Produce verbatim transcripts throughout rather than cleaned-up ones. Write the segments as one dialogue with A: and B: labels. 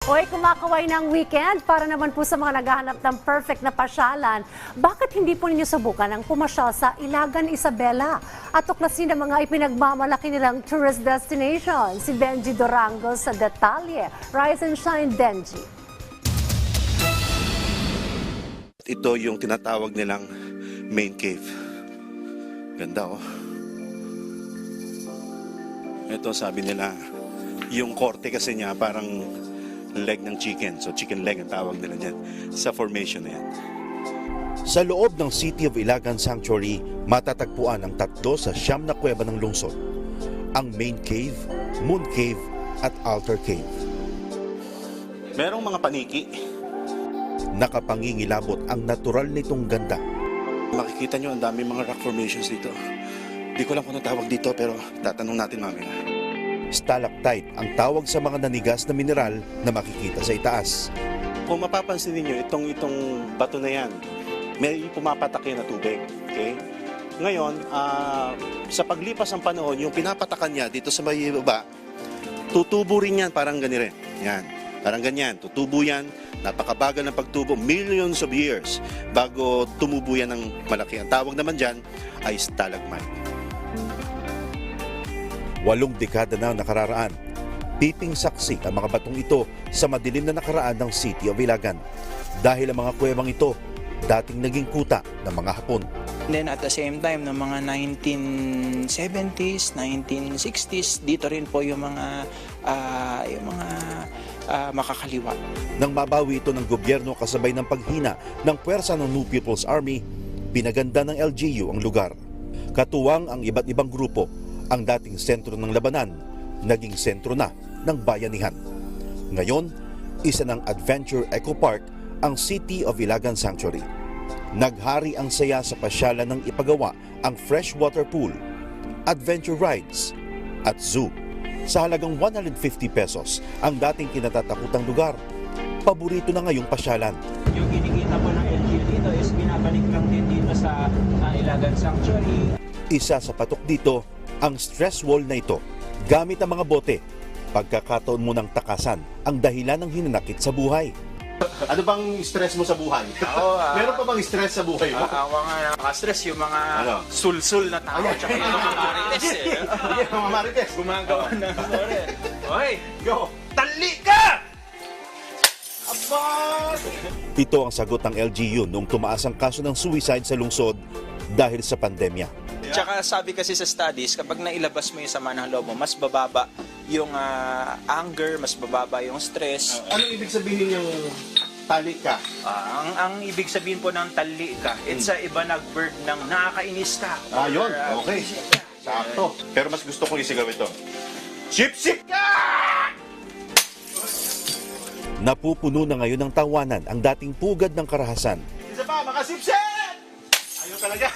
A: Hoy, kumakaway ng weekend para naman po sa mga naghahanap ng perfect na pasyalan. Bakit hindi po ninyo subukan ang pumasyal sa Ilagan, Isabela at tuklasin ang mga ipinagmamalaki nilang tourist destination? Si Benji Durango sa detalye. Rise and shine, Benji.
B: Ito yung tinatawag nilang main cave. Ganda oh. Ito sabi nila, yung korte kasi niya parang leg ng chicken. So chicken leg ang tawag nila dyan sa formation na yan.
C: Sa loob ng City of Ilagan Sanctuary, matatagpuan ang tatlo sa siyam na kuweba ng lungsod. Ang main cave, moon cave at altar cave.
B: Merong mga paniki.
C: Nakapangingilabot ang natural nitong ganda.
B: Makikita nyo ang dami mga rock formations dito. Di ko lang kung tawag dito pero tatanong natin mamaya.
C: Stalactite ang tawag sa mga nanigas na mineral na makikita sa itaas.
B: Kung mapapansin niyo itong itong bato na yan, may pumapatak yan na tubig. Okay? Ngayon, uh, sa paglipas ng panahon, yung pinapatakan niya dito sa may baba, tutubo rin yan parang ganire. Yan. Parang ganyan. Tutubo yan. Napakabagal ng pagtubo. Millions of years bago tumubo yan ng malaki. Ang tawag naman dyan ay stalagmite.
C: Walong dekada na nakararaan. Piping saksi ang mga batong ito sa madilim na nakaraan ng City of Ilagan. Dahil ang mga kuwebang ito, dating naging kuta ng mga Hapon.
D: And then at the same time, ng mga nineteen seventies, nineteen sixties, dito rin po yung mga, uh, yung mga uh, makakaliwa.
C: Nang mabawi ito ng gobyerno kasabay ng paghina ng puwersa ng New People's Army, pinaganda ng L G U ang lugar. Katuwang ang iba't ibang grupo, ang dating sentro ng labanan, naging sentro na ng bayanihan. Ngayon, isa ng Adventure Eco Park ang City of Ilagan Sanctuary. Naghari ang saya sa pasyalan ng ipagawa ang freshwater pool, adventure rides, at zoo. Sa halagang one hundred fifty pesos ang dating kinatatakutang lugar, paborito na ngayong pasyalan.
E: Yung kinikita po ng L G U dito is binabalik lang din dito sa uh, Ilagan Sanctuary.
C: Isa sa patok dito, ang stress wall na ito, gamit ang mga bote. Pagkakataon mo ng takasan ang dahilan ng hinanakit sa buhay.
B: Ano bang stress mo sa buhay?
D: Oo, uh,
B: Meron pa bang stress sa buhay mo?
D: Uh, ang mga nakaka-stress, yung mga
B: Ano?
D: sul-sul na tao, tsaka yung mga marites eh.
B: Sige, mga marites.
D: Gumagawa ng story. Hoy,
B: Go!
D: tali ka!
C: Ito ang sagot ng L G U noong tumaas ang kaso ng suicide sa lungsod dahil sa pandemya.
D: Tsaka sabi kasi sa studies, kapag nailabas mo yung sama ng loob mo, mas bababa yung uh, anger, mas bababa yung stress.
B: Ano ibig sabihin yung tali ka?
D: Ah, ang ang ibig sabihin po ng tali ka, it's a iba nag-verb ng nakakainis ka.
B: Ah, yun.
D: Or, uh,
B: Okay. Sakto. Pero mas gusto kong isigaw ito. Sip-sip ka!
C: Napupuno na ngayon ng tawanan ang dating pugad ng karahasan.
B: Isa pa, makasip-sip! Ayaw talaga.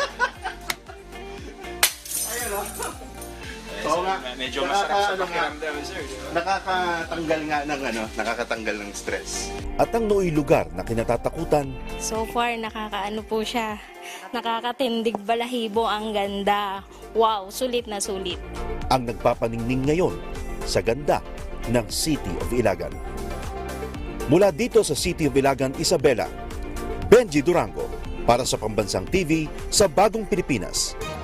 B: Ayun o. Oo nga.
D: Medyo masarap sa
B: Nakaka-
D: pakiramdam, sir. di ba?
B: Nakakatanggal nga ng ano, nakakatanggal ng stress.
C: At ang nooy lugar na kinatatakutan,
F: So far, nakakaano po siya. Nakakatindig balahibo, ang ganda. Wow, sulit na sulit.
C: ang nagpapaningning ngayon sa ganda ng City of Ilagan. Mula dito sa City of Ilagan, Isabela, Benji Durango para sa Pambansang T V sa Bagong Pilipinas.